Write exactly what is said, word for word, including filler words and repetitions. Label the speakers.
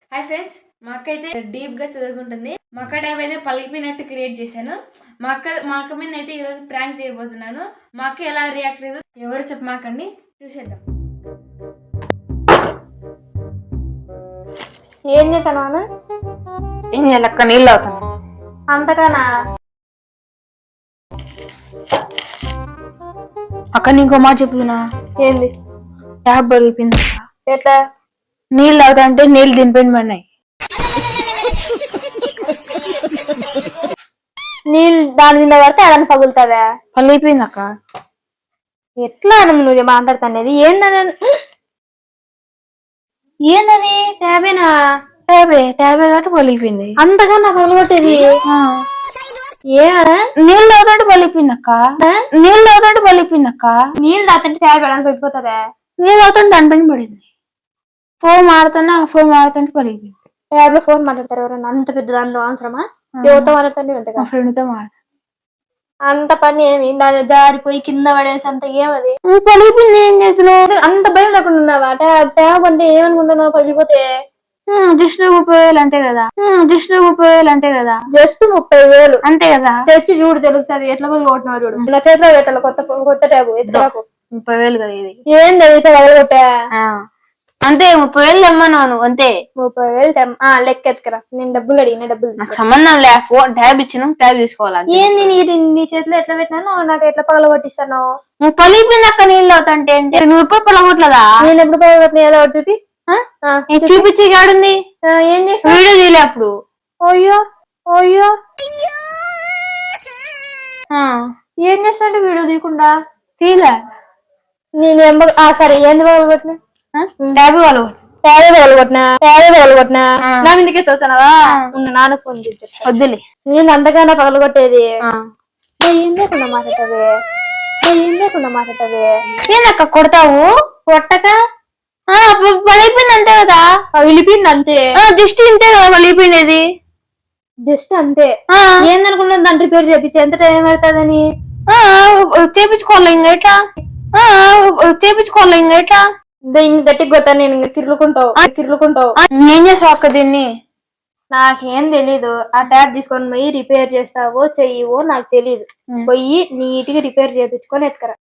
Speaker 1: Hi friends, మా అక్క అయితే డీప్ గా చదువుకుంటుంది. మా అక్క ట్యాబ్ అయితే పలికిపోయినట్టు క్రియేట్ చేశాను. మా అక్క మా అక్క మీద అయితే ఈరోజు ప్రాంక్ చేయబోతున్నాను. మా అక్క ఎలా రియాక్ట్ అయ్యేదో ఎవరు చెప్పమాకండి, చూసేద్దాం.
Speaker 2: ఏం చేస్తాను?
Speaker 3: ఏం చేయాలక్క? నీళ్ళు అవుతాను
Speaker 2: అంతగానా?
Speaker 3: అక్క నీకో మాట చెప్తున్నా.
Speaker 2: ఏంది?
Speaker 3: ట్యాబ్ పలిగిపోయింది.
Speaker 2: ఎట్లా?
Speaker 3: నీళ్ళు అవుతా అంటే నీళ్ళు దింపండి పడినాయి.
Speaker 2: నీళ్ళు దాని మీద పడితే అదని పగులుతావా?
Speaker 3: పలిగిపోయింది అక్క.
Speaker 2: ఎట్లా అని నువ్వు మాట్లాడుతానేది? ఏందని ఏందని ట్యాబేనా?
Speaker 3: ట్యాబే ట్యాబే కాబట్టి పలిగిపోయింది.
Speaker 2: అంతగా నాకు పగలగొట్టేది ఏ?
Speaker 3: నీళ్ళు అవుతాంటే పలిగిపోయింది అక్క. నీళ్ళు అవుతాంటే పలిగిపోయింది అక్క.
Speaker 2: నీళ్ళు తాతంటే ట్యాబ్ ఎడానికి పడిపోతుందా?
Speaker 3: నీళ్ళు అవుతాంటే దాని పైన పడింది. ఫోన్ మాడుతున్నా ఫోన్ మాడుతుంటే పలిగిపోయింది.
Speaker 2: ట్యాబ్ లో ఫోన్ మాట్లాడతారు ఎవరన్నా? అంత పెద్ద దానిలో అవసరమా? ఎవరితో మాట్లాడుతుంది?
Speaker 3: మా ఫ్రెండ్ తో మాట్లాడు.
Speaker 2: అంత పని ఏమి? దాని జారిపోయి కింద పడేసి అంత ఏమది?
Speaker 3: పలిగిపోయింది. ఏం చేస్తున్నావు?
Speaker 2: అంత భయం లేకుండా ఉన్నావా? ట్యాబ్ ట్యాబ్ అంటే ఏమనుకుంటున్నావు? పగిలిపోతే
Speaker 3: జస్ట్ ముప్పై వేలు అంతే కదా. జస్ట్ ముప్పై వేలు అంతే కదా.
Speaker 2: జస్ట్ ముప్పై వేలు
Speaker 3: అంతే కదా.
Speaker 2: తెచ్చి చూడు, తెలుస్తుంది ఎట్లా పగలగొట్టినావు చూడు. నా చేతిలో పెట్టాలి కొత్త ఫోన్, కొత్త ట్యాబ్. ఎత్తురాకు.
Speaker 3: ముప్పై వేలు కదా ఇది.
Speaker 2: ఏంది అయితే పగలగొట్టా?
Speaker 3: అంతే, ముప్పై వేలు తెమ్మన్నాను అంతే.
Speaker 2: ముప్పై వేలు తెమ్ ఆ లెక్క ఎత్తుకరా. నేను డబ్బులు అడిగిన డబ్బులు
Speaker 3: నాకు సంబంధం లే. ఫోన్ ట్యాబ్ ఇచ్చినాం, ట్యాబ్ తీసుకోవాలి.
Speaker 2: ఏంది నీ నీ చేతిలో ఎట్లా పెట్టినాను? నాకు ఎట్లా పగలగొట్టిస్తాను?
Speaker 3: నువ్వు పలిగిపోయింది అక్క. నీళ్ళు అవుతాంటే అంటే నువ్వు ఎప్పుడు పలగొట్టలేదా?
Speaker 2: నేను ఎప్పుడు పగలగొట్టిన? ఏదో ఒకటి చూపి.
Speaker 3: చూపించి కాడుంది.
Speaker 2: ఏం చేస్తా?
Speaker 3: వీడియో తీయలే అప్పుడు.
Speaker 2: అయ్యో అయ్యో
Speaker 3: ఆ,
Speaker 2: ఏం చేస్తాంటే వీడియో తీయకుండా?
Speaker 3: తీయలే.
Speaker 2: నేను ఏం పగ- ఆ సరే, ఏంది పగలగొట్టిన?
Speaker 3: ట్యాబ్ వాళ్ళు
Speaker 2: ట్యాబే పగలగొట్టినా? ట్యాబే పగలగొట్టినా? నా మీదకే తోసానవా? ఉన్న నాన్న ఫోన్ చూపించా.
Speaker 3: వద్దులే.
Speaker 2: నేను అంతగానే పగలగొట్టేది. ఏం లేకుండా మాట్లాడతావే? ఏం లేకుండా మాట్లాడతావే?
Speaker 3: ఏందక్క కొడతావు?
Speaker 2: కొట్టక
Speaker 3: పలిగిపోయింది అంతే కదా.
Speaker 2: పగిలిపోయింది అంతే.
Speaker 3: జస్ట్ ఇంతే కదా పలిగిపోయినది.
Speaker 2: జస్ట్ అంతే. ఏందనుకున్నాను దాన్ని రిపేర్ చేపించి ఎంత టైం పడుతుందని?
Speaker 3: చేపించుకోవాలి ఇంకా ఎట్లా? చేపించుకోవాలి ఇంకా ఎట్లా?
Speaker 2: ఇంక గట్టికి కొట్టాను నేను. ఇంక తిరుగుకుంటావు తిరుగుకుంటావు.
Speaker 3: ఏం చేసావు అక్క దీన్ని?
Speaker 2: నాకేం తెలీదు. ఆ ట్యాబ్ తీసుకొని పోయి రిపేర్ చేస్తావో చెయ్యవో నాకు తెలీదు. పోయి నీట్ గా రిపేర్ చేయించుకొని ఎత్తుకరా.